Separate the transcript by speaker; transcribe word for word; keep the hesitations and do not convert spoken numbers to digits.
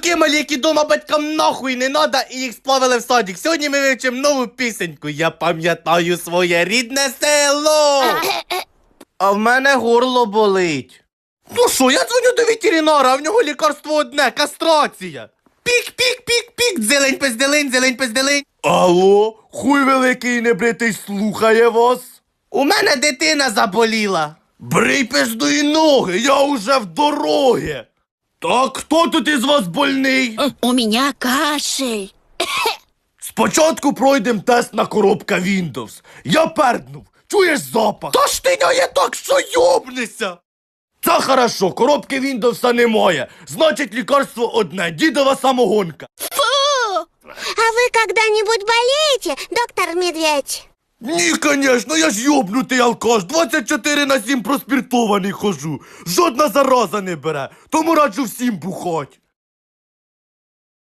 Speaker 1: Такі малі, які дома батькам нахуй не надо, і їх сплавили в садик. Сьогодні ми вивчимо нову пісеньку. Я пам'ятаю своє рідне село. А в мене горло болить. Ну що, я дзвоню до ветеринара, а в нього лікарство одне – кастрація. Пік-пік-пік-пік, дзелень пизделень, зелень пизделень.
Speaker 2: Алло, хуй великий небритий слухає вас.
Speaker 1: У мене дитина заболіла.
Speaker 2: Брий пиздої ноги, я уже в дорогі. Так, хто тут із вас больний?
Speaker 3: У меня кашель.
Speaker 2: Спочатку пройдем тест на коробка Windows. Я перднув, чуєш запах?
Speaker 1: Та ж ти не так, що йобнися.
Speaker 2: Це хорошо, коробки Windows немає. Значить, лікарство одне, дідова самогонка.
Speaker 3: Фу!
Speaker 4: А вы когда-нибудь болеете, доктор Медведь?
Speaker 2: Ні, конечно, я ж йобнутий алкаш, двадцять чотири на сім проспіртований хожу. Жодна зараза не бере, тому раджу всім бухать.